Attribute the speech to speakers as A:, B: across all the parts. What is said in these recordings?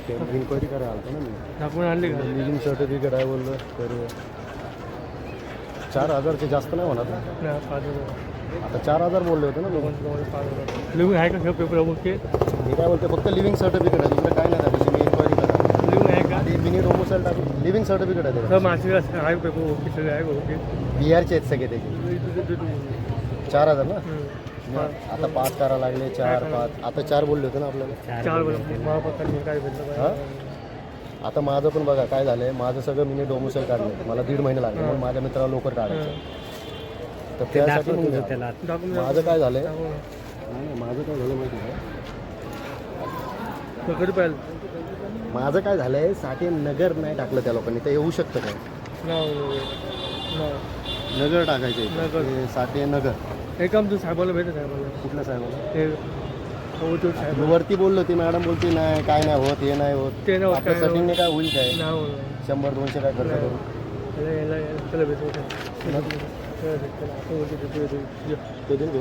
A: Inquiry करायला आलतो ना मी.
B: दाखवून आणले का
A: लिव्हिंग सर्टिफिकेट आहे बोललं तर 4,000चे जास्त नाही होणार ना.
B: नाही 5,000
A: आता 4,000 बोलले होते ना लोक.
B: 5,000 लिहून आहे का पेपर ओके
A: मी काय बोलते फक्त लिव्हिंग सर्टिफिकेट आहे, दुसरं काय नाही त्याविषयी मी इन्क्वायरी करा.
B: लिहून आहे का
A: आधी मिनी डोमोसाईल टाकून लिव्हिंग सर्टिफिकेट आहे
B: सर मासिक आहे पेपर ओके सगळे आहे ओके
A: बिहारचे आहेत सगळे त्याचे. 4,000 ना. आता 5 करा लागले 4 5 आता 4 बोलले होते ना आपल्याला.
B: 4 महापत्र काय भेटलं
A: हां आता माझं पण बघा काय झालं आहे, माझं सगळं मिनी डोमोसाईल काढलं मला 1.5 महिने लागले म्हणून माझ्या मित्राला लवकर काढायचं. तर त्यासाठी माझं काय झालं आहे, माझं काय झालं माहिती आहे
B: कधी पाहिलं
A: माझं काय झालं आहे, साठे नगर नाही टाकलं त्या लोकांनी. तर येऊ शकतं काय नगर टाकायचे
B: नगर.
A: साठे नगर.
B: हे काम तू साहेबाला भेट साहेबाला
A: कुठल्या साहेबाला
B: ते साहेब
A: वरती बोललो ती मॅडम बोलते नाही काय नाही होत हे नाही होत.
B: ते नाही होत,
A: आपल्या
B: काय नाही
A: सेटिंगने काय होईल काय
B: नाव
A: 100-200 काय खर्च करू.
B: त्याला भेटू
A: ते देऊन घेऊ.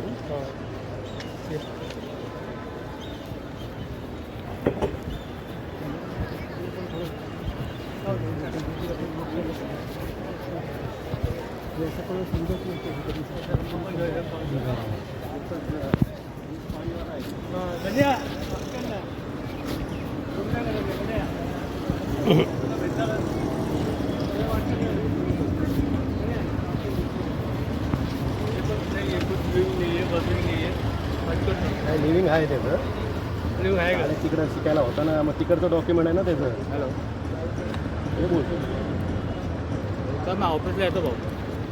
A: काय लिव्हिंग आहे त्याचं
B: लिहून आहे का
A: आणि तिकडं शिकायला होता ना, मग तिकडचं डॉक्युमेंट आहे ना त्याचं.
B: हॅलो
A: हे बोलतो
B: तर मग ऑफिसला येतो भाऊ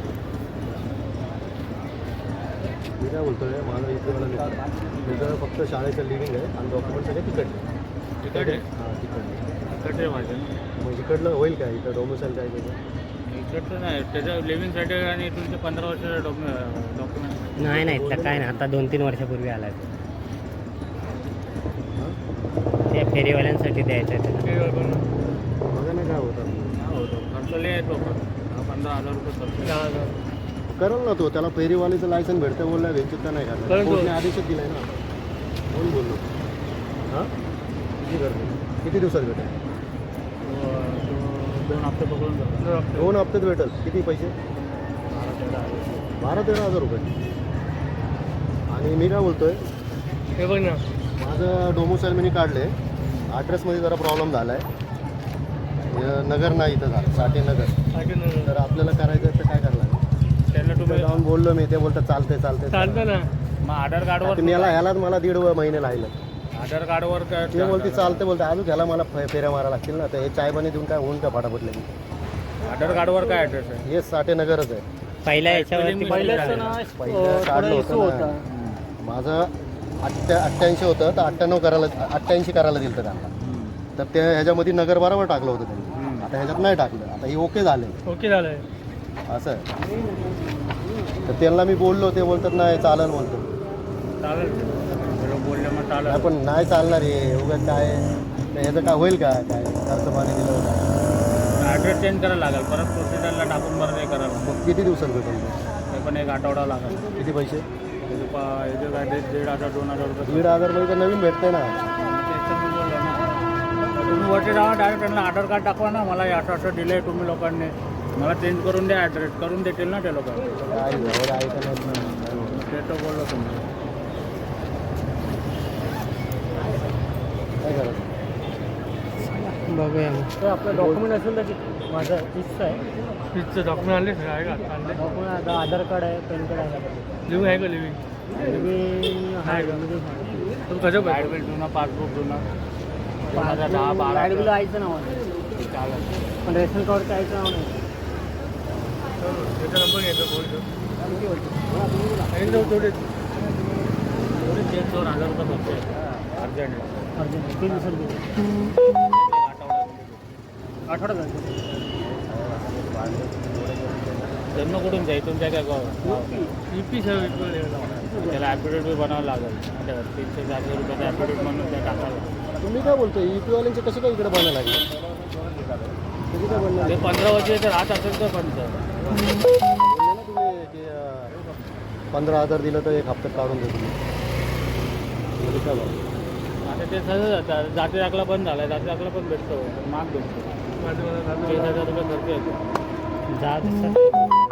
A: मी काय बोलतो आहे माझं इथे मला त्याचं फक्त शाळेचं लिव्हिंग आहे आणि डॉक्युमेंट सगळे तिकडले.
B: तिकडे
A: हां तिकडले.
B: तिकडे माझं
A: मग इकडलं होईल काय इकडं डोमिसाईल काय त्याचं.
B: इकडचं नाही त्याचं लिव्हिंग सर्टिफिकेट आणि तुमचे 15 वर्षाचं डॉक्युमेंट
C: नाही नाही इथलं काय नाही आता 2-3 वर्षापूर्वी आला आहे ते फेरीवाल्यांसाठी द्यायचं आहे त्याला.
A: बघा ना काय होतं
B: खर्च लय येतो 15,000 रुपये खर्च 10,000
A: करल ना तो. त्याला फेरीवालीचं लायसन भेटतं बोलला वेचित्ता नाही
B: करेल
A: करणार.
B: तो.
A: कोर्टने आदेशच दिलाय ना. कोण बोललो हां किती करतो किती दिवसात भेटेल.
B: 2 हप्ते पकडून जातो
A: 2 हप्त्यात भेटेल. किती पैसे 12-13 हजार रुपये. आणि मी काय बोलतोय
B: हे बघ ना
A: माझं डोमोसाईल मी काढले ॲड्रेसमध्ये जरा प्रॉब्लेम झाला आहे. नगर नाही इथं झालं साठे नगर. तर आपल्याला करायचं आहे तर काय करायला लागेल.
B: त्यांना
A: तिथं
B: तुम्ही
A: जाऊन बोललो मी ते बोलतात चालते
B: चालतं ना मग आधार कार्डवर
A: ह्यालाच मला 1.5 महिने लागले.
B: आधार कार्डवर
A: ते बोलते चालते बोलते अजून ह्याला मला फेऱ्या मारा लागतील ना. तर हे चाय पाणी देऊन काय होऊन का फटाफट लगेच.
B: आधार कार्डवर काय ॲड्रेस आहे
A: हे साठे नगरच आहे.
C: पहिल्या याच्यावरती
A: पहिलं काढलं होतं ना. माझं 88 होतं तर 88 करायला दिलं होतं त्यांना. तर ते ह्याच्यामध्ये नगर बरोबर टाकलं होतं त्यांनी. आता ह्याच्यात नाही टाकलं. आता हे ओके झालं
B: ओके झालंय
A: असं आहे. तर त्यांना मी बोललो ते बोलतात नाही चालेल बोलतो.
B: चालेल बोलले मग चालेल
A: नाही पण नाही चालणार हे उगाच काय ह्याचं काय होईल का काय खर्च पाणी दिलं होतं.
B: ॲड्रेस चेंज करायला लागेल परत प्रोसिजरला टाकून बरं नाही करायला
A: मग किती दिवसात भेटेल ते?
B: ते पण एक आठवडा लागेल
A: किती पैसे
B: त्याचे काय 1,500-2,000 रुपये
A: 1,500 मध्ये तर नवीन भेटते ना.
B: तुम्ही वरती जावा डायरेक्ट त्यांना आधार कार्ड दाखवा ना मला हे असं दिलं आहे तुम्ही लोकांनी मला चेंज करून द्या ॲड्रेस करून देतील ना ते लोक
A: काय एवढं ऐकत नाहीत ना.
B: ते तर बोललो तुम्ही
A: काय करायचं
C: बघूया
B: तर आपलं डॉक्युमेंट असेल तर माझं फिक्स आहे फिक्सचं डॉक्युमेंट आणले सगळं आहे का आणले डॉक्युमेंट आधार कार्ड आहे पॅन कार्ड आहे लिव्हिंग आहे का लिव्हिंग आहे का तुम्ही कसं लाईट बिल जुना पासबुक जुना 2010-12 लाईट बिल आयचं नाव आहे चालेल पण रेशन कार्डचं आयचं नाव नाही त्याचा नंबर घ्यायचा बोलतो थोडे 2,000 रुपये बघते अर्जंट किती दिवसात आठवडा जन्म कुठून जाईल तुमच्या काय EP त्याला ॲफिडेविट बी बनावं लागेल 300-400 रुपयाचा ॲफिडेविट म्हणून त्या टाकायला.
A: तुम्ही काय बोलतो EP-वाल्यांचे कसे काय इकडे बनायला लागले. कधी काय बनणार
B: ते 15 वर्ष राहत असेल तर पण
A: तुम्ही की 15,000 दिलं तर 1 हप्त्यात काढून देतो. काय बघा
B: ते सहज जातात. जाती दाखला बंद झाला, जाती दाखला पण भेटतो, माग भेटतो. 10,000 रुपये खर्च येतो.
C: जा तसं